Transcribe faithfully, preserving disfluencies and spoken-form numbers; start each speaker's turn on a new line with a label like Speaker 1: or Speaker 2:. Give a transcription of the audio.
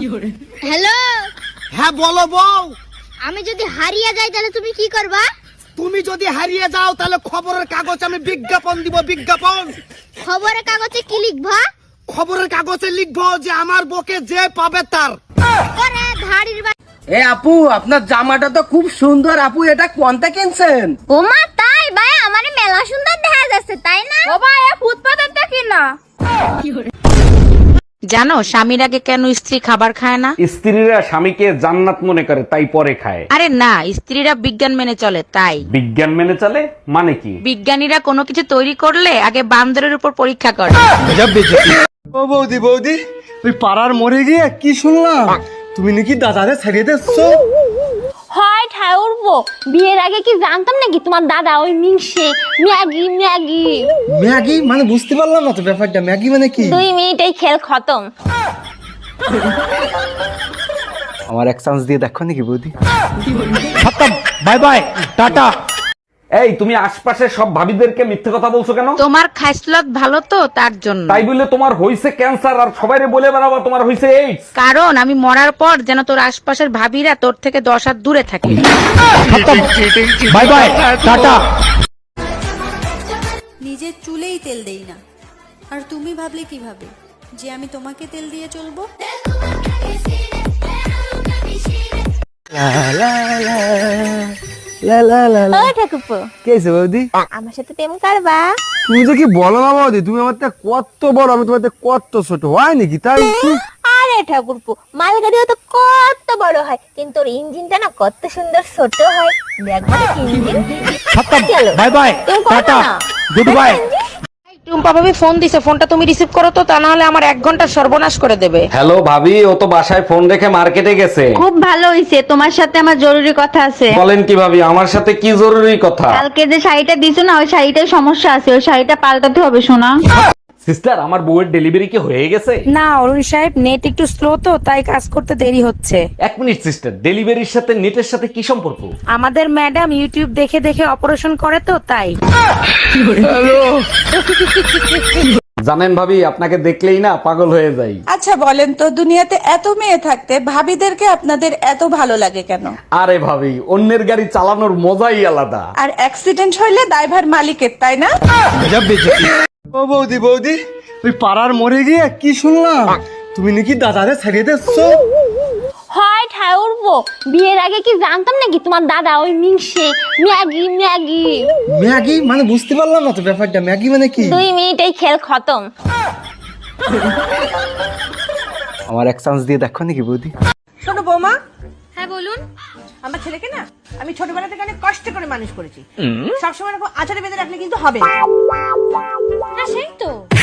Speaker 1: Hello,
Speaker 2: হ্যাঁ বলো বউ।
Speaker 1: আমি যদি হারিয়ে যাই তাহলে তুমি কি করবা?
Speaker 2: তুমি যদি হারিয়ে যাও তাহলে খবরের কাগজ আমি বিজ্ঞাপন দিব, বিজ্ঞাপন।
Speaker 1: খবরের কাগজে কি লিখবা?
Speaker 2: খবরের কাগজে লিখবো যে আমার বকে যে পাবে তার।
Speaker 1: ওরে ধাড়ির বা-
Speaker 3: এ আপু, আপনার জামাটা তো খুব সুন্দর। আপু, এটা কোনটা কিনছেন?
Speaker 1: ওমা তাই ভাই, আমারে মেলা সুন্দর দেখা যাচ্ছে তাই না?
Speaker 4: ও ভাই, ফুটপাতেরটা কিনা।
Speaker 5: জানো স্বামীর আগে কেন স্ত্রী খাবার খায় না?
Speaker 6: স্ত্রীরা স্বামীকে জান্নাত মনে করে তাই পরে খায়।
Speaker 5: আরে না, স্ত্রীরা বিজ্ঞান মেনে চলে তাই।
Speaker 6: বিজ্ঞান মেনে চলে মানে কি?
Speaker 5: বিজ্ঞানীরা কোনো কিছু তৈরি করলে আগে বান্দরের উপর পরীক্ষা করে।
Speaker 7: ও বৌদি বৌদি, ওই পাড়ার মরে গিয়ে কি শুনলাম তুমি নাকি দাদারে ছাড়িয়ে দিচ্ছ?
Speaker 4: হয় ঠায় উঠবো, বিয়ের আগে কি জানতাম নাকি তোমার দাদা ওই মিংসে ম্যাগি ম্যাগি
Speaker 7: ম্যাগি মানে বুঝতে পারলাম না তো ব্যাপারটা, ম্যাগি মানে কি?
Speaker 4: দুই মিনিটেই খেল খতম।
Speaker 7: আমার এক চান্স দিয়ে দেখো নাকি বৌদি?
Speaker 6: Bye bye, tata. এই, তুমি আশপাশের সব ভাবিদেরকে মিথ্যে কথা বলছো কেন?
Speaker 5: তোমার খাইসলত ভালো তো তার জন্য।
Speaker 6: তাই বলে তোমার হইছে ক্যান্সার আর সবাইরে বলে বেড়াবা তোমার হইছে এইডস?
Speaker 5: কারণ আমি মরার পর যেন তোর আশপাশের ভাবিরা তোর থেকে দশ হাত দূরে থাকে।
Speaker 6: Bye bye, tata.
Speaker 8: নিজের চুলেই তেল দেই না, আর তুমি ভাবলে কিভাবে যে আমি তোমাকে তেল দিয়ে চলবো?
Speaker 7: লা লা লা লা।
Speaker 4: ও ঠাকুরপো,
Speaker 7: কি হয়েছে বৌদি?
Speaker 4: আমার সাথে প্রেম করবা?
Speaker 7: তুমি যে কি বলো না বৌদি, তুমি আমার থেকে কত বড়, আমি তোমার থেকে কত ছোট, হয় নাকি তাই?
Speaker 4: আরে ঠাকুরপো, মালগাড়িও তো কত বড় হয়, কিন্তু ওর ইঞ্জিনটা না কত সুন্দর ছোট হয়। দেখবা না ইঞ্জিন। চলো
Speaker 6: বাই বাই,
Speaker 4: তুমি করবে না?
Speaker 6: Good bye.
Speaker 5: টুম্পা ভাবি ফোন দিছে, ফোনটা তুমি রিসিভ করো তো, তা না হলে আমার এক ঘন্টা সর্বনাশ করে দেবে।
Speaker 6: হ্যালো ভাবি, ও তো বাসায় ফোন রেখে মার্কেটে গেছে।
Speaker 9: খুব ভালো হইছে, তোমার সাথে আমার জরুরি কথা আছে।
Speaker 6: বলেন কি ভাবি, আমার সাথে কি জরুরি কথা?
Speaker 9: কালকে যে শাড়িটা দিছো না, ওই শাড়িটায় সমস্যা আছে, ওই শাড়িটা পাল্টাতে হবে শোনা।
Speaker 6: সিস্টার, আমার বউয়ের ডেলিভারি কি হয়ে গেছে?
Speaker 5: না অরুণ সাহেব, নেট একটু স্লো তো তাই কাজ করতে দেরি হচ্ছে।
Speaker 6: এক মিনিট সিস্টার, ডেলিভারির সাথে নেটের সাথে কি সম্পর্ক?
Speaker 5: আমাদের ম্যাডাম ইউটিউব দেখে দেখে অপারেশন করে তো তাই।
Speaker 6: জানেন ভাবি, আপনাকে দেখলেই না পাগল হয়ে যাই।
Speaker 10: আচ্ছা বলেন তো, দুনিয়াতে এত মেয়ে থাকতে ভাবিদেরকে আপনাদের এত ভালো লাগে কেন?
Speaker 6: আরে ভাবি, অন্যের গাড়ি চালানোর মজাই আলাদা।
Speaker 10: আর অ্যাক্সিডেন্ট হইলে দায়ভার মালিকের, তাই না?
Speaker 7: ও বৌদি বৌদি, ওই পাড়ার মরে গিয়ে কি শুনলাম তুমি নাকি দাদারে ছাড়িয়ে দিচ্ছ?
Speaker 4: হয় ঠায় উঠবো, বিয়ের আগে কি জানতাম নাকি তোমার দাদা ওই মিংসে ম্যাগি ম্যাগি
Speaker 7: ম্যাগি মানে বুঝতে পারলাম না তো ব্যাপারটা, ম্যাগি মানে কি?
Speaker 4: দুই মিনিটেই খেল খতম।
Speaker 7: আমার এক চান্স দিয়ে দেখো নাকি বৌদি?
Speaker 10: শোনো বৌমা।
Speaker 1: হ্যাঁ বলুন।
Speaker 10: আমার ছেলেকে না আমি ছোটবেলা থেকে অনেক কষ্ট করে মানুষ করেছি। সবসময় এরকম আচারে বেঁধে রাখলে কিন্তু হবে না।
Speaker 1: হ্যাঁ সেই তো।